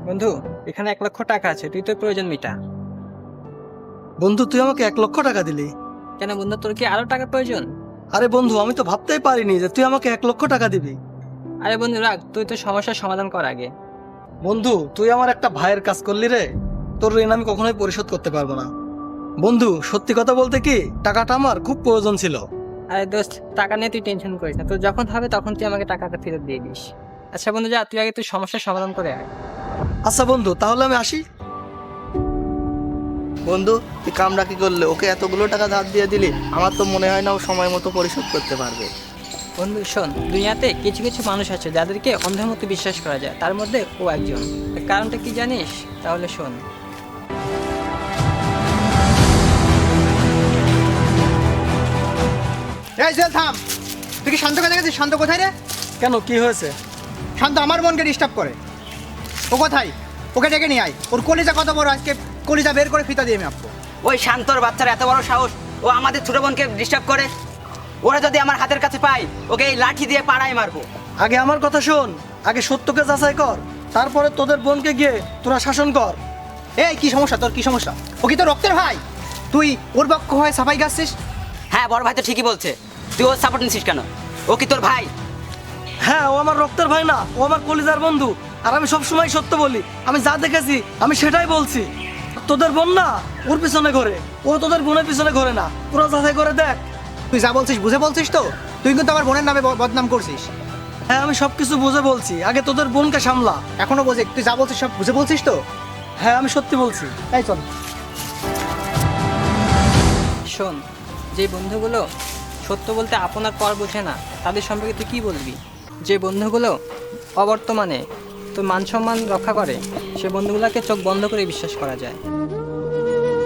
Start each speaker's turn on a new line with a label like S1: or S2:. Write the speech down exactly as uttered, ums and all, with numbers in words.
S1: বন্ধু, এখানে এক লক্ষ টাকা আছে, তুই তোর প্রয়োজন মিটা।
S2: বন্ধু, তুই আমাকে এক লক্ষ টাকা দিলি।
S1: কেন বন্ধু, তোর কি আরো টাকা প্রয়োজন?
S2: আরে বন্ধু, আমি তো ভাবতেই পারিনি যে তুই আমাকে এক লক্ষ টাকা দিবি।
S1: আরে বন্ধু রাখ, তুই তো সমস্যার সমাধান কর আগে।
S2: বন্ধু, তুই আমার একটা ভাইয়ের কাজ করলি রে। তোর ঋণ আমি কখনোই পরিশোধ করতে পারবো না। বন্ধু, সত্যি কথা বলতে কি, টাকাটা আমার খুব প্রয়োজন ছিল।
S1: আরে দোস্ত, টাকা নিয়ে তুই টেনশন করিস না, তোর যখন হবে তখন তুই আমাকে টাকাটা ফেরত দিয়ে দিস। আচ্ছা বন্ধু, যা তুই আগে তুই সমস্যার সমাধান করে আয়।
S2: আচ্ছা বন্ধু, তাহলে আমি আসি।
S3: বন্ধু, তুই কামড়া কি করলে? ওকে এতগুলো টাকা ধার দিয়ে দিলি, আমার তো মনে হয় না ও সময় মতো পরিশোধ করতে পারবে।
S1: বন্ধু শোন, দুনিয়াতে কিছু কিছু মানুষ আছে যাদেরকে অন্ধের মতো বিশ্বাস করা যায়, তার মধ্যে ও একজন। এর কারণটা কি জানিস? তাহলে শোন।
S4: এই জেল থাম। তুই কি শান্তকে দেখেছিস? শান্ত কোথায় রে?
S2: কেন, কি হয়েছে?
S4: শান্ত আমার বোনকে ডিস্টার্ব করে। ও কোথায়? ওকে ডেকে নিয়ে আয়। ওর কলিজা কত বড়, আজকে কলিজা বের করে ফিতা দিয়ে আমি আপবো।
S5: ওই শান্তর বাচ্চার এত বড় সাহস, ও আমাদের ছোট বোনকে ডিস্টার্ব করে। ওরা যদি আমার হাতের কাছে পাই, ওকে এই লাঠি দিয়ে পাড়ায় মারবো।
S2: আগে আমার কথা শোন, আগে সত্যকে যাচাই কর, তারপরে তোদের বোনকে গিয়ে তোরা শাসন কর।
S4: এই কি সমস্যা তোর? কি সমস্যা? ও কি তোর রক্তের ভাই? তুই ওর পক্ষ হয়ে সাফাই গাচ্ছিস?
S5: হ্যাঁ, বড় ভাই তো ঠিকই বলছে। তুই ওর সাপোর্ট নিছিস কেন? ও কি তোর ভাই?
S2: হ্যাঁ, ও আমার রক্তের ভাই না, ও আমার কলিজার বন্ধু। আর আমি সবসময় সত্য বলি, আমি যা দেখেছি আমি সেটাই বলছি। তোদের বোন না ওর পিছনে ঘোরে, ও তোদের বোনের পিছনে ঘোরে না। তোরা যাচাই করে দেখ।
S4: তুই যা বলছিস বুঝে বলছিস তো? তুই কিন্তু আমার বোনের নামে ব- বদনাম করছিস।
S2: হ্যাঁ, আমি সবকিছু বুঝে বলছি, আগে তোদের বোনকে সামলা।
S4: এখনো বোঝে? তুই যা বলছিস সব বুঝে বলছিস তো?
S2: হ্যাঁ, আমি সত্যি বলছি।
S4: তাই চল।
S1: শোন, যে বন্ধুগুলো সত্য বলতে আপনার পর বোঝে না, তাদের সম্পর্কে তুই কী বলবি? যে বন্ধুগুলো অবর্তমানে তোর মান সম্মান রক্ষা করে, সে বন্ধুগুলোকে চোখ বন্ধ করে বিশ্বাস করা যায়।